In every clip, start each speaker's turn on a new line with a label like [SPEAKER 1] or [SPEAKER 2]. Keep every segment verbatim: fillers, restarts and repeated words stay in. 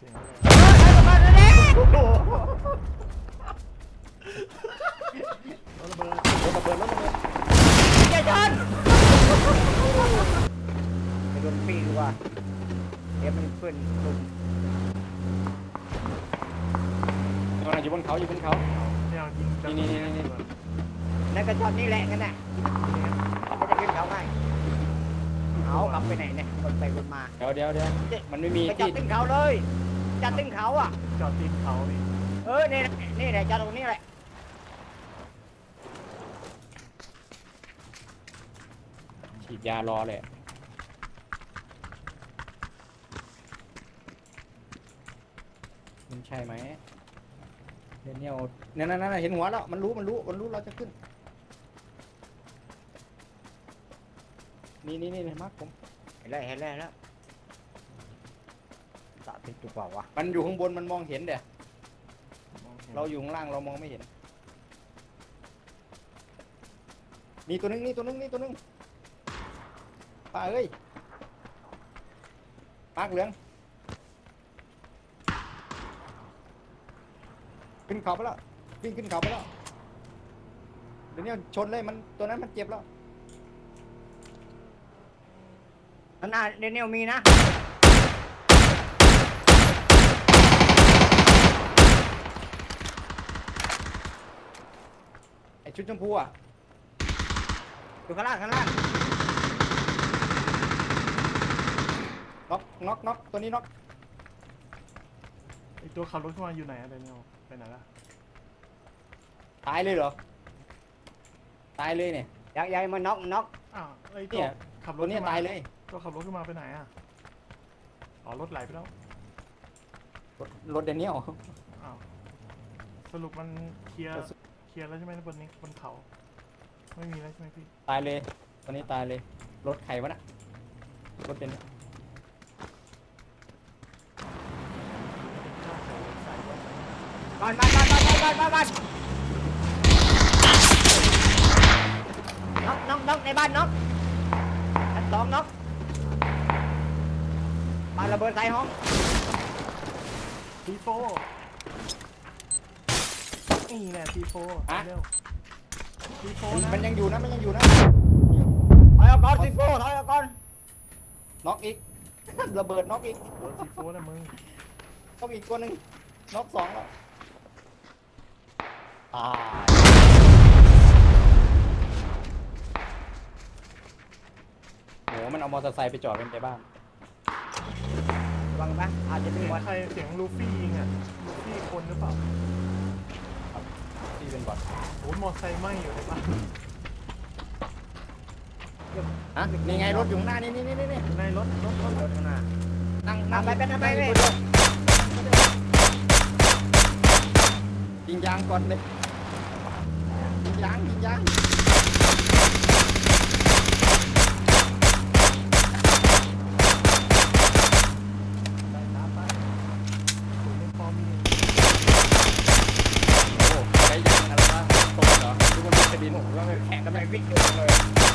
[SPEAKER 1] สียงอะไร
[SPEAKER 2] เฮ้ยระเบิดเลย
[SPEAKER 1] โอ้โหระเบิด
[SPEAKER 3] รถระเบิดรถระเบิด
[SPEAKER 2] อย่าชนไปโดนปีกว่าเดี๋ยวมันขึ้นลุม
[SPEAKER 3] มันอยู่บนเขาอยู่บนเขา
[SPEAKER 1] เนี่ยยิงจัง
[SPEAKER 3] นี่นี่นี่นี่
[SPEAKER 2] นั่นก็ชอบนี่แหละกันน่ะมันจะขึ้นเขาง่ายเอากลับไปไหนเนี่ยคนไปคนมา
[SPEAKER 3] เดี๋ยวเดี๋ยวเดี๋ยวมันไม่มี
[SPEAKER 2] ไปจอ
[SPEAKER 3] ที่
[SPEAKER 2] ดตึ้งเขาเลยจอดตึ้งเขาอ่ะ
[SPEAKER 1] จอดตีนเขานี่
[SPEAKER 2] เออนี่นี่แหละจอดตรงนี้แหละ
[SPEAKER 3] ฉีดยารอเลยมันใช่ไหมเดนเนียลนั่นนั่นนั่นเห็นหัวแล้วมันรู้มันรู้มันรู้เราจะขึ้นนี่นี่นี่เห็นไหมผม
[SPEAKER 2] เห็นแล้วเห็นแล้วแล้วสาธิตถูกเปล่าวะ
[SPEAKER 3] มันอยู่ข้างบนมันมองเห็นเดี๋ยเราอยู่ข้างล่างเรามองไม่เห็นนี่ตัวนึงนี่ตัวนึงนี่ตัวนึงป้าเอ้ยมากเหลืองขึ้นเขาไปแล้ววิ่งขึ้นเขาไปแล้วเดี๋ยวนี้ชนเลยมันตัวนั้นมันเจ็บแล้ว
[SPEAKER 2] อันน่าเดนเนลมีนะ
[SPEAKER 3] ไอชุดชมพูอ่ะ
[SPEAKER 2] อยู่ข้างล่างข้างล่าง
[SPEAKER 3] น็อกน็อกน็อกตัวนี้น็อก
[SPEAKER 1] ไอตัวขับรถเข้ามาอยู่ไหนอะเดนิเอลไปไหนละ
[SPEAKER 3] ตายเลยเหรอตายเลยเนี่ย
[SPEAKER 2] ยังยังมันน็อกน็อก
[SPEAKER 1] อ้าวไอตั
[SPEAKER 3] เนี่
[SPEAKER 1] วย ขับร
[SPEAKER 3] ตั
[SPEAKER 1] ถ
[SPEAKER 3] วนี้
[SPEAKER 1] ขึ้นมา
[SPEAKER 3] ตายเลย
[SPEAKER 1] ตัวขับรถขึ้นมาไปไหนอะอ๋อรถไหลไปแล้ว
[SPEAKER 3] รถรถเดนเนียล
[SPEAKER 1] อ้าวสรุปมันเคลียร์เคลียร์แล้วใช่ไหมบนนี้บนเขาไม่มีแล้วใช่ไหมพี่
[SPEAKER 3] ตายเลยตัวนี้ตายเลยรถใครวะน่ะรถเป็น
[SPEAKER 2] บ้านบ้านบ้านบ้านบ้านบ้านบ้านน็อกน็อกน็อกในบ้านน็อกชั้นสองน็อกบ้านระเบิดใส่ห้อง
[SPEAKER 1] ทีโฟนี่แหละทีโฟเร็วทีโฟนะ
[SPEAKER 3] มันยังอยู่นะมันยังอยู่นะ
[SPEAKER 2] ถอยออกก่อนสิโก้ถอยออกก่อน
[SPEAKER 3] น็อกอีก ระเบิดน็อกอีก
[SPEAKER 1] โดนทีโฟนะมึง
[SPEAKER 3] น็อกอีกตัวหนึ่งน็อกสองแล้วตายโหมันเอามอเตอร์ไซค์ไปจอดเป็นไปบ้าง
[SPEAKER 2] ระวังนะอาจจะมี
[SPEAKER 1] เสียง
[SPEAKER 2] วัน
[SPEAKER 1] ใครเสียงลูฟี่ยิงอ่ะลูฟี่คนหรือเปล่า
[SPEAKER 3] ที่เป็นบอท
[SPEAKER 1] โอ้ยมอไซค์ไหม้อยู่ในบ้าน
[SPEAKER 3] ฮะนี่ไงรถอยู่ข้างหน้านี่นี่นี่นี่
[SPEAKER 1] ในรถรถรถ
[SPEAKER 2] รถข้างหน้า
[SPEAKER 3] นั่ง
[SPEAKER 2] ทำไปเป็นทำไปเลย
[SPEAKER 3] ยิงยางก่อนเลยยิงยางยิงยาง
[SPEAKER 1] ไปตามไปถึงในฟอร์มี
[SPEAKER 3] โอ้ใช้ยางอะไรวะตกเหรอทุกคนเป็นกระดินว่าแข่งกันไปวิ่งอยู่เลย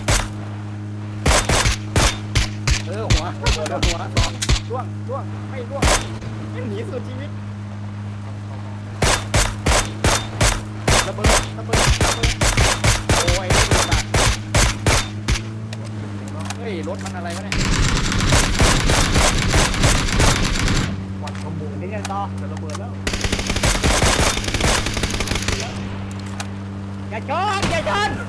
[SPEAKER 3] เออหัวหัวหัวร่วงร่วงไม่ร่วงหนีสุดชีวิตระเบิดระเบิดระเบิดโอ้ยระเบิดอะเฮ้ยรถมันอะไรวะเนี่ย
[SPEAKER 1] วันขโมย
[SPEAKER 2] นี่ยังต่อ
[SPEAKER 1] จะระเบิดแล้ว
[SPEAKER 2] อย่าชนอย่าชน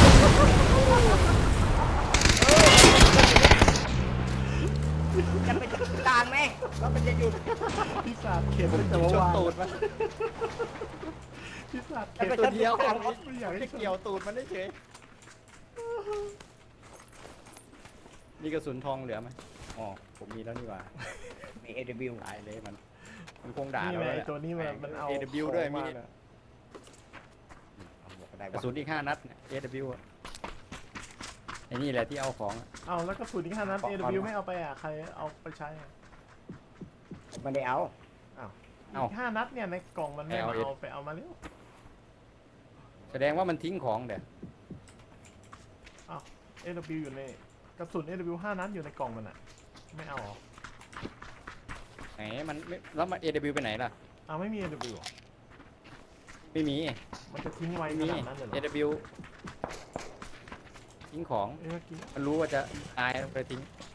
[SPEAKER 2] จะไปกลางไหมแล้วมันจะหยุด
[SPEAKER 1] พิศาจเข็น
[SPEAKER 3] ผม
[SPEAKER 1] ตั้ง
[SPEAKER 3] จะ
[SPEAKER 1] แต่
[SPEAKER 3] ช
[SPEAKER 1] เมื่อน วาน
[SPEAKER 3] ตูดมัน
[SPEAKER 1] พิศาจ
[SPEAKER 2] จะ
[SPEAKER 1] เข็น
[SPEAKER 2] ไป
[SPEAKER 3] ตั
[SPEAKER 2] ช
[SPEAKER 3] วน เดียว
[SPEAKER 2] กลาง
[SPEAKER 1] ไม่อยากให้
[SPEAKER 3] จะเกี่ยวตูดมันได้เฉยมีกระสุนทองเหลือไหมอ๋อผมมีแล้วนี่หว่า
[SPEAKER 2] มี เอ ดับเบิลยู
[SPEAKER 3] ตายเลยมันมันคงด่า
[SPEAKER 1] นี่
[SPEAKER 3] เรา
[SPEAKER 1] แหละ
[SPEAKER 3] แห
[SPEAKER 1] ไอ้
[SPEAKER 3] ละ
[SPEAKER 1] ตัวนี้มันมันเอา
[SPEAKER 3] เอ ดับเบิลยูด้วยมี
[SPEAKER 1] ของาน่ะ
[SPEAKER 3] กระสุนอีกห้านัดเนี่ย เอ ดับเบิลยู อะไอ้นี่แหละที่เอาของอะ
[SPEAKER 1] เอาแล้วก็สูตรที่ห้านัด
[SPEAKER 3] ขอ
[SPEAKER 1] เอ
[SPEAKER 3] ขอ
[SPEAKER 1] วไม่เอาไปอ่ะใครเอาไปใช้อ่ะ
[SPEAKER 2] มันได้เอา
[SPEAKER 1] อ้าว
[SPEAKER 3] เอา
[SPEAKER 1] อีกห้านัดเนี่ยในกล่องมันไม่
[SPEAKER 3] เอา
[SPEAKER 1] มา
[SPEAKER 3] เอ็ด
[SPEAKER 1] เอาไปเอามาเร็ว
[SPEAKER 3] แสดงว่ามันทิ้งของเดี๋ยว
[SPEAKER 1] อ้าว เอ ดับเบิลยู อยู่ในกระสุน เอ ดับเบิลยู ห้านัดอยู่ในกล่องมันอ่ะไม่เอาเหรอ
[SPEAKER 3] ไหนมันไม่แล้วมัน เอ ดับเบิลยู ไปไหนล่ะ
[SPEAKER 1] อ้าวไม่มี เอ ดับเบิลยู หรอ
[SPEAKER 3] ไม่มี
[SPEAKER 1] มันจะทิ้งไว้ข
[SPEAKER 3] ไม่มี
[SPEAKER 1] นาดนั้นเลยเหร
[SPEAKER 3] เอ
[SPEAKER 1] อ
[SPEAKER 3] ดับเบิลยู ทิ้งของ
[SPEAKER 1] เอ้ยเมื่อกี้
[SPEAKER 3] มันรู้ว่าจะตายไปทิ้งไป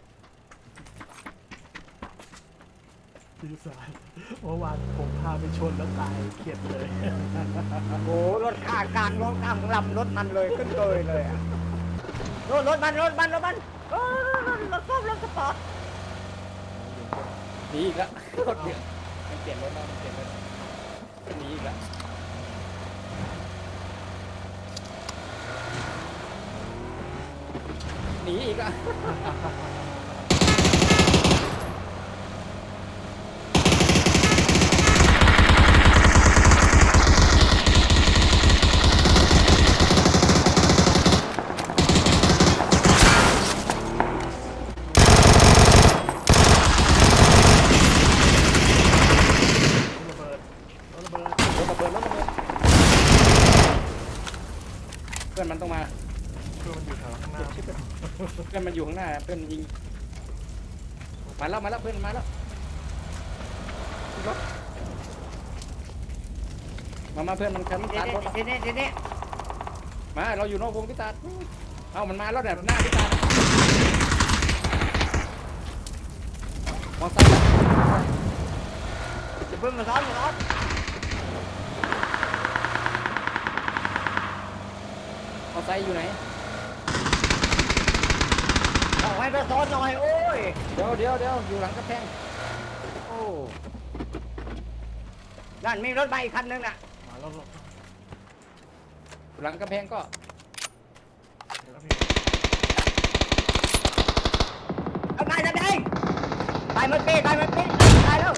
[SPEAKER 1] ดีสายเมื่อวานผมพาไปชนแล้วตายเข็ดเลย
[SPEAKER 2] โอ้รถข้างกลางรถข้างลำรถมันเลยขึ้นเลยเลยอะรถรถมันรถมันรถมันเออรถรถรถสปอร์ต
[SPEAKER 3] หนีอีกแล้วรถเดือดมันเปลี่ยนรถแล้วมันเปลี่ยนรถหนีอีกแล้วหนีอีกอ่ะ
[SPEAKER 1] ระเบิดระเบิด
[SPEAKER 3] รถระเบิดรถระเบิดเพื่อนมันต้องมา
[SPEAKER 1] เพื่อมันอยู่แถวข้างหน้า
[SPEAKER 3] เพื่อนมันอยู่ข้างหน้าเพื่อนยิงมาแล้วมาแล้วเพื่อนมาแล้วรถมามาเพื่อนมันคัน
[SPEAKER 2] ที
[SPEAKER 3] ตาร์ทรถ
[SPEAKER 2] นี้ทีนี้ทีนี้
[SPEAKER 3] มาเราอยู่นอกวงพิตาเอ้ามันมาแล้วเนี่ยหน้าพิตามองซ้ายแล้ว
[SPEAKER 2] จะเพิ่งมาซ้อนมาซ้อน
[SPEAKER 3] มองซ้ายอยู่ไหน
[SPEAKER 2] เอาให้ไปซ้อนหน่อยโอ้ย
[SPEAKER 3] เดี๋ยวเดี๋ยวเดี๋ยวอยู่หลังกระแพงโอ้
[SPEAKER 2] นั่นมีรถมาอีกคันนึงน่ะ
[SPEAKER 1] มาแล้วหรอ
[SPEAKER 3] อยู่หลังกระแพงก็
[SPEAKER 1] เดี๋ยวแล้วพี่
[SPEAKER 2] เอานายจะได้ตายเมื่อกี้ตายเมื่อกี้ตายแล้ว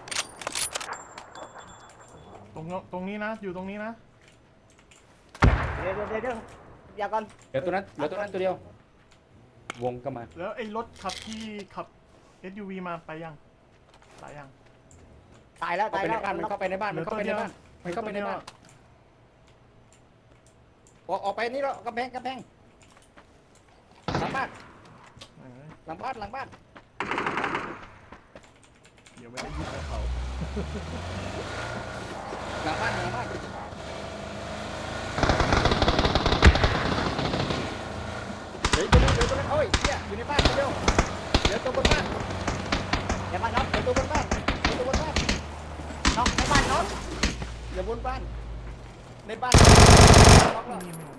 [SPEAKER 1] ตรงตรงนี้นะ อยู่ตรงนี้นะ
[SPEAKER 2] เดี๋ยวเดี๋ยวเดี๋ยวเดี๋ยวอย่าก่อน
[SPEAKER 3] เดี๋ยวตัวนั้นเดี๋ยวตัวนั้นตัวเดียว วงก็มา
[SPEAKER 1] แล้วไอ้รถขับที่ขับ เอส ยู วี มาไปยังตายยัง
[SPEAKER 2] ตายแล้ว
[SPEAKER 3] เข้า
[SPEAKER 2] ตาย
[SPEAKER 3] ไปใน
[SPEAKER 2] แล้ว
[SPEAKER 3] บ้านมันเข้าไปในบ้านมันเข้าไปในบ้านมันเข้าไปในบ้านออกออกไปนี่แล้วกำแพงกำแพงหลังบ้าน
[SPEAKER 1] เออ
[SPEAKER 3] หลังบ้านหลังบ้าน
[SPEAKER 1] เดี๋ยวไม่ได้ยินกับเขา
[SPEAKER 3] หลังบ้านหลังบ้านเดี๋ยวตัวนั้นเดี๋ยวตัวนั้นโอ้ยเนี่ยอยู่ในบ้านตัวเดียวเดี๋ยวตัวบนบ้าน
[SPEAKER 2] อย่ามาน็อก
[SPEAKER 3] เดี๋ยวตัวบนบ้านเดี๋ยวตัวบนบ้าน
[SPEAKER 2] น็อกในบ้านน็อก
[SPEAKER 3] อย่าบนบ้านในบ้านล็อกแล้ว
[SPEAKER 1] นี่ไม่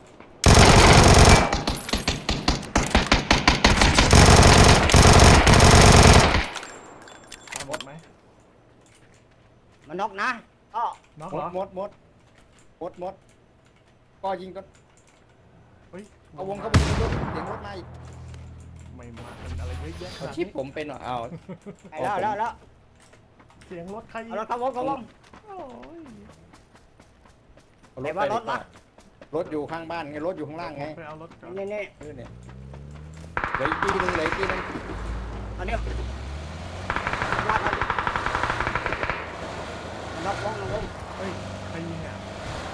[SPEAKER 1] ตายหมดไหม
[SPEAKER 2] มันน็อกนะก็
[SPEAKER 1] น็อก
[SPEAKER 3] หม
[SPEAKER 1] เหร
[SPEAKER 3] ด
[SPEAKER 1] อ
[SPEAKER 3] หมดหมดหมดหมดก็ยิงก็
[SPEAKER 1] เฮ้ย
[SPEAKER 3] เอาวงเข้าวงรถเสียงรถมาอีก
[SPEAKER 1] ไม่มาเป็นอะไรเยอะแยะข
[SPEAKER 3] เอา
[SPEAKER 1] นาด
[SPEAKER 3] ชิป
[SPEAKER 1] นี้
[SPEAKER 3] ผมเป็นเหรอเอา
[SPEAKER 2] ไปแล้วแล้วแล้ว
[SPEAKER 1] เสียงรถใคร
[SPEAKER 2] เอารถเข้าวงเข้าวง
[SPEAKER 1] โอ้ย
[SPEAKER 3] เอา
[SPEAKER 2] ไหนว่ารถ
[SPEAKER 3] ไปดีก
[SPEAKER 2] วะ
[SPEAKER 3] รถอยู่ข้างบ้านไงรถอยู่ข้างล่างไง
[SPEAKER 1] ไปเอารถก่อน
[SPEAKER 2] นี่นี่
[SPEAKER 3] เออเนี่ยเหลืออีกทีนึงเหลืออีกทีนึง
[SPEAKER 2] เอาเนี่ยลากมันน็อกวงน็อกวง
[SPEAKER 1] เฮ้ยใครยิงอ่ะ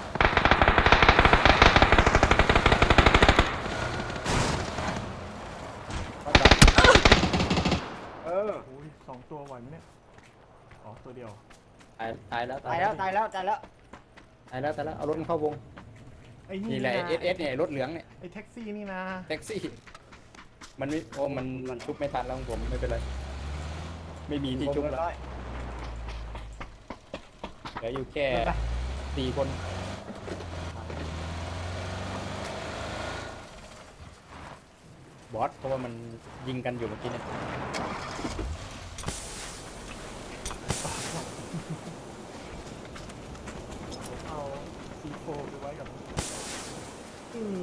[SPEAKER 3] ก็จับ
[SPEAKER 2] เออ
[SPEAKER 1] โอ้ยสองตัวไหวไหมเนี่ยอ๋อตัวเดียว
[SPEAKER 3] ตายตายแล้ว
[SPEAKER 2] ตายแล้วตายแล้วตายแล้ว
[SPEAKER 3] ตายแล้วตายแล้วเอารถมันเข้าวง
[SPEAKER 1] ไอ้นี่
[SPEAKER 3] นี่แหละ
[SPEAKER 1] นะ
[SPEAKER 3] เอสเอสเนี่ยรถเหลืองเนี่ย
[SPEAKER 1] ไอ้แท็กซี่นี่นะ
[SPEAKER 3] แท็กซี่ มันไม่โอ้มันมันชุบไม่ทันแล้วของผมไม่เป็นไรไม่มีที่ชุบแล้วเหลืออยู่แค่สี่คนบอสเพราะว่ามันยิงกันอยู่เมื่อกี้เนี่ย
[SPEAKER 1] เอาซีโฟไปไว้กับเออ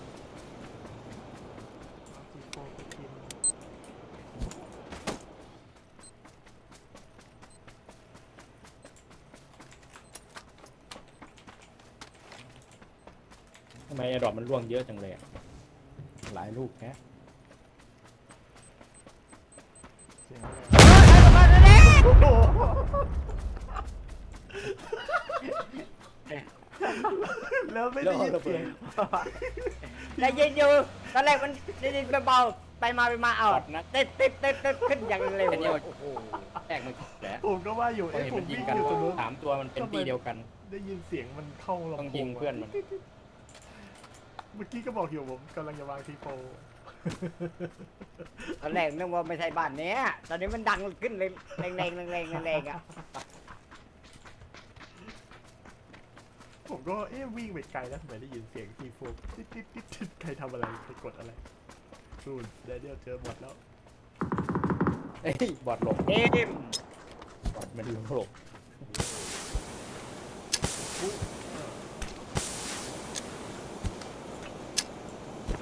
[SPEAKER 1] เอาซีโฟไปกิน
[SPEAKER 3] ทำไมไอ้ดอกมันร่วงเยอะจังเลยอะหลายลูกแฮะ
[SPEAKER 1] เสียงอะไร
[SPEAKER 2] เฮ้ยมาเลย
[SPEAKER 1] โอ้โหแล้วไม่ได้ยินเสียง
[SPEAKER 2] ได้ยินอยู่ตอนแรกมันได้ยินเบาๆไปมาไปมาเอาติดติดติดติดขึ้นอย่างเร็ว
[SPEAKER 3] แค่นี้
[SPEAKER 2] โอ้โห
[SPEAKER 3] แตก
[SPEAKER 1] ว่าอยู่
[SPEAKER 3] พอ
[SPEAKER 1] เอ๊ะ
[SPEAKER 3] เห็น
[SPEAKER 1] ผ
[SPEAKER 3] มั
[SPEAKER 1] ม
[SPEAKER 3] นยิ
[SPEAKER 1] วิ่
[SPEAKER 3] ง
[SPEAKER 1] ง
[SPEAKER 3] กัน
[SPEAKER 1] อยู่ตรงนู้น
[SPEAKER 3] สามตัวมันเป็นตีเดียวกัน
[SPEAKER 1] ได้ยินเสียงมันเข้าลำโพง
[SPEAKER 3] ต้องยิงเพื่อนมัน
[SPEAKER 1] เมื่อกี้ก็บอกอยู่ผมกำลังจะวางทีโฟ
[SPEAKER 2] ตอนแรกนึกว่าไม่ใช่บ้านเนี้ยตอนนี้มันดังขึ้นเลยแรงแรงแรงแรงแรงอ่ะ
[SPEAKER 1] ผมก็เอ๊ะวิ่งไปไกลแล้วทำไมได้ยินเสียงทีโฟติ๊ดติ๊ดติ๊ดติ๊ดใครทำอะไรไปกดอะไรนู่นเดเดียลเจอบอทแล้ว
[SPEAKER 3] เอ้ยบอดหลบ
[SPEAKER 2] เอ็ม
[SPEAKER 3] บอดมันหลบ
[SPEAKER 1] อุ๊ย